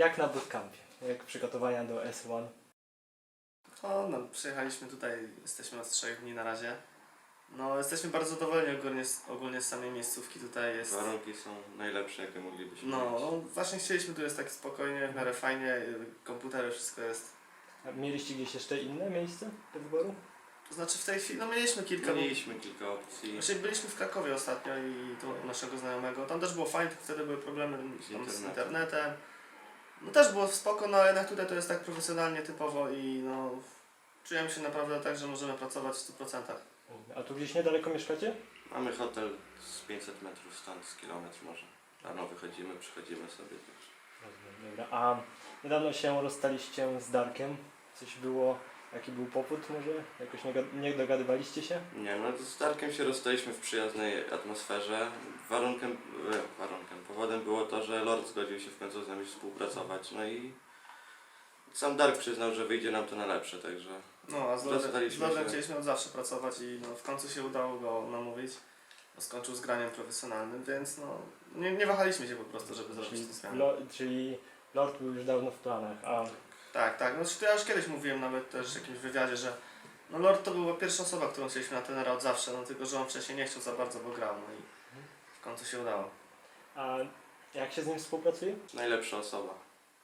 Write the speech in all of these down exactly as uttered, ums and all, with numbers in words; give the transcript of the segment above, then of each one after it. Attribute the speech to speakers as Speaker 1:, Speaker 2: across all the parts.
Speaker 1: jak na bootcampie? Jak przygotowania do S jeden?
Speaker 2: O, no, przyjechaliśmy tutaj, jesteśmy od trzech dni na razie. No, jesteśmy bardzo zadowoleni ogólnie, z- ogólnie z samej miejscówki. Tutaj jest.
Speaker 3: Warunki są najlepsze, jakie moglibyśmy
Speaker 2: No,
Speaker 3: mieć.
Speaker 2: no, właśnie chcieliśmy, tu jest tak spokojnie, w miarę fajnie, y, komputery, wszystko jest.
Speaker 1: A mieliście gdzieś jeszcze inne miejsce do wyboru?
Speaker 2: To znaczy w tej chwili, no mieliśmy kilka. bo-
Speaker 3: Mieliśmy kilka opcji.
Speaker 2: Właśnie byliśmy w Krakowie ostatnio i tu u naszego znajomego. Tam też było fajnie, tylko wtedy były problemy
Speaker 3: Z
Speaker 2: tam z
Speaker 3: internetem.
Speaker 2: internetem. No też było spoko, no ale jednak tutaj to jest tak profesjonalnie, typowo i no czujemy się naprawdę tak, że możemy pracować w stu procentach.
Speaker 1: A tu gdzieś niedaleko mieszkacie?
Speaker 3: Mamy hotel z pięćset metrów stąd, z kilometr może. Rano wychodzimy, przychodzimy sobie też.
Speaker 1: Rozumiem, dobra. A niedawno się rozstaliście z Darkiem. Coś było, jaki był powód może? Jakoś nie, gad- nie dogadywaliście się?
Speaker 3: Nie, no z Darkiem się rozstaliśmy w przyjaznej atmosferze. Warunkiem, e, warunkiem, powodem było to, że Lord zgodził się w końcu z nami współpracować. No i sam Dark przyznał, że wyjdzie nam to na lepsze, także
Speaker 2: No a z Lordem, z
Speaker 3: Rozstaliśmy
Speaker 2: Lordem
Speaker 3: się.
Speaker 2: chcieliśmy od zawsze pracować i no, w końcu się udało go namówić. Bo skończył z graniem profesjonalnym, więc no nie, nie wahaliśmy się po prostu, żeby zrobić
Speaker 1: Czyli,
Speaker 2: tę zmianę.
Speaker 1: lo, czyli Lord był już dawno w planach, a
Speaker 2: Tak, tak. No to ja już kiedyś mówiłem nawet też w jakimś wywiadzie, że no Lord to była pierwsza osoba, którą chcieliśmy na tenera od zawsze, no tylko że on wcześniej nie chciał za bardzo, bo grał, no i w końcu się udało.
Speaker 1: A jak się z nim współpracuje?
Speaker 3: najlepsza osoba.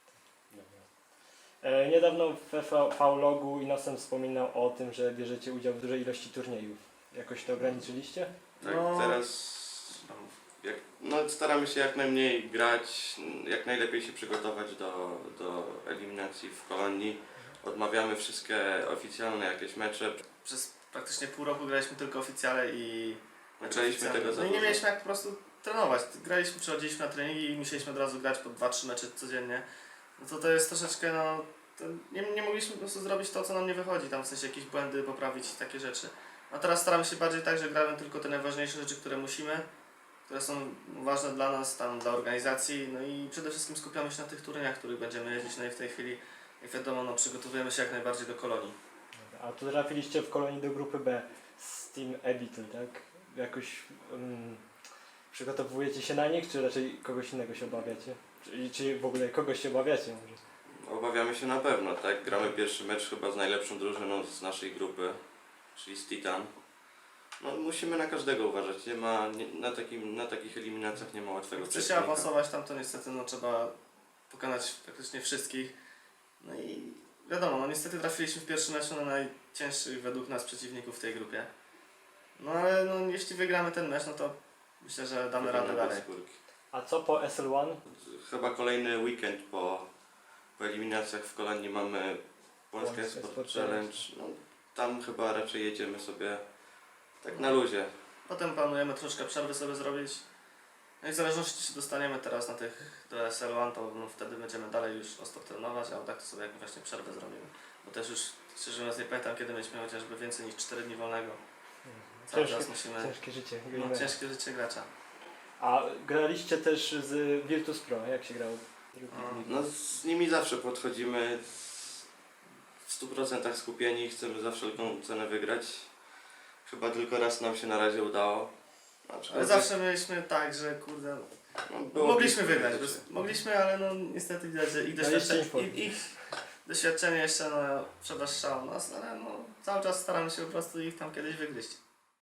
Speaker 1: E, niedawno w V-Logu Inosem wspominał o tym, że bierzecie udział w dużej ilości turniejów. Jakoś to ograniczyliście?
Speaker 3: Tak,
Speaker 2: No.
Speaker 3: teraz jak, no, staramy się jak najmniej grać, jak najlepiej się przygotować do, do eliminacji w kolonii. Odmawiamy wszystkie oficjalne jakieś mecze.
Speaker 2: Przez praktycznie pół roku graliśmy tylko oficjale i
Speaker 3: Zaczęliśmy
Speaker 2: oficjalne.
Speaker 3: tego za
Speaker 2: No i nie
Speaker 3: dużo.
Speaker 2: mieliśmy jak po prostu trenować. Graliśmy, przychodziliśmy na treningi i musieliśmy od razu grać po dwa trzy mecze codziennie. No to to jest troszeczkę, no, to nie, nie mogliśmy po prostu zrobić to, co nam nie wychodzi, tam w sensie jakieś błędy poprawić i takie rzeczy. A teraz staramy się bardziej tak, że gramy tylko te najważniejsze rzeczy, które musimy, które są ważne dla nas, tam dla organizacji, no i przede wszystkim skupiamy się na tych turniejach, w których będziemy jeździć, no i w tej chwili, jak wiadomo, no, przygotowujemy się jak najbardziej do kolonii.
Speaker 1: A tu trafiliście w kolonii do grupy B z Team Ebitel, tak? Jakoś um, przygotowujecie się na nich, czy raczej kogoś innego się obawiacie? Czy, czy w ogóle kogoś się obawiacie może?
Speaker 3: Obawiamy się na pewno, tak? Gramy pierwszy mecz chyba z najlepszą drużyną z naszej grupy, czyli z Titan. No, musimy na każdego uważać, nie ma, nie, na, takim, na takich eliminacjach nie ma łatwego
Speaker 2: Jak chce się
Speaker 3: przeciwnika.
Speaker 2: awansować tam, to niestety no, trzeba pokonać praktycznie wszystkich. No i wiadomo, no niestety trafiliśmy w pierwszym meczu na najcięższych według nas przeciwników w tej grupie. No ale no, jeśli wygramy ten mecz, no to myślę, że damy radę
Speaker 3: Wygramy bez
Speaker 2: dalej.
Speaker 3: skórki.
Speaker 1: A co po S L jeden?
Speaker 3: Chyba kolejny weekend po, po eliminacjach w kolonii mamy Polska
Speaker 1: Polska
Speaker 3: Sport
Speaker 1: Sport
Speaker 3: Challenge. No, tam chyba raczej jedziemy sobie tak na luzie.
Speaker 2: Potem planujemy troszkę przerwy sobie zrobić. No i w zależności czy dostaniemy teraz na tych do S L jeden, to no, wtedy będziemy dalej już ostro trenować, a tak to sobie jakąś właśnie przerwę zrobimy. Bo też już szczerze mówiąc nie pamiętam kiedy mieliśmy chociażby więcej niż cztery dni wolnego. Cały
Speaker 1: Ciężkie,
Speaker 2: czas musimy...
Speaker 1: ciężkie życie.
Speaker 2: No,
Speaker 1: gamera.
Speaker 2: ciężkie życie gracza.
Speaker 1: A graliście też z Virtus Pro, jak się grało?
Speaker 3: No, z nimi zawsze podchodzimy w stu procentach skupieni, chcemy za wszelką cenę wygrać. Chyba tylko raz nam się na razie udało.
Speaker 2: Ale zawsze mieliśmy tak, że kurde,
Speaker 3: no, było
Speaker 2: mogliśmy
Speaker 3: blisko
Speaker 2: wygrać,
Speaker 3: rzeczy.
Speaker 2: bez, mogliśmy, ale no niestety widać, że ich
Speaker 1: Daliście
Speaker 2: doświadczenie,
Speaker 1: im formy.
Speaker 2: ich, ich doświadczenie jeszcze no, przewyższało nas, ale no cały czas staramy się po prostu ich tam kiedyś wygryźć.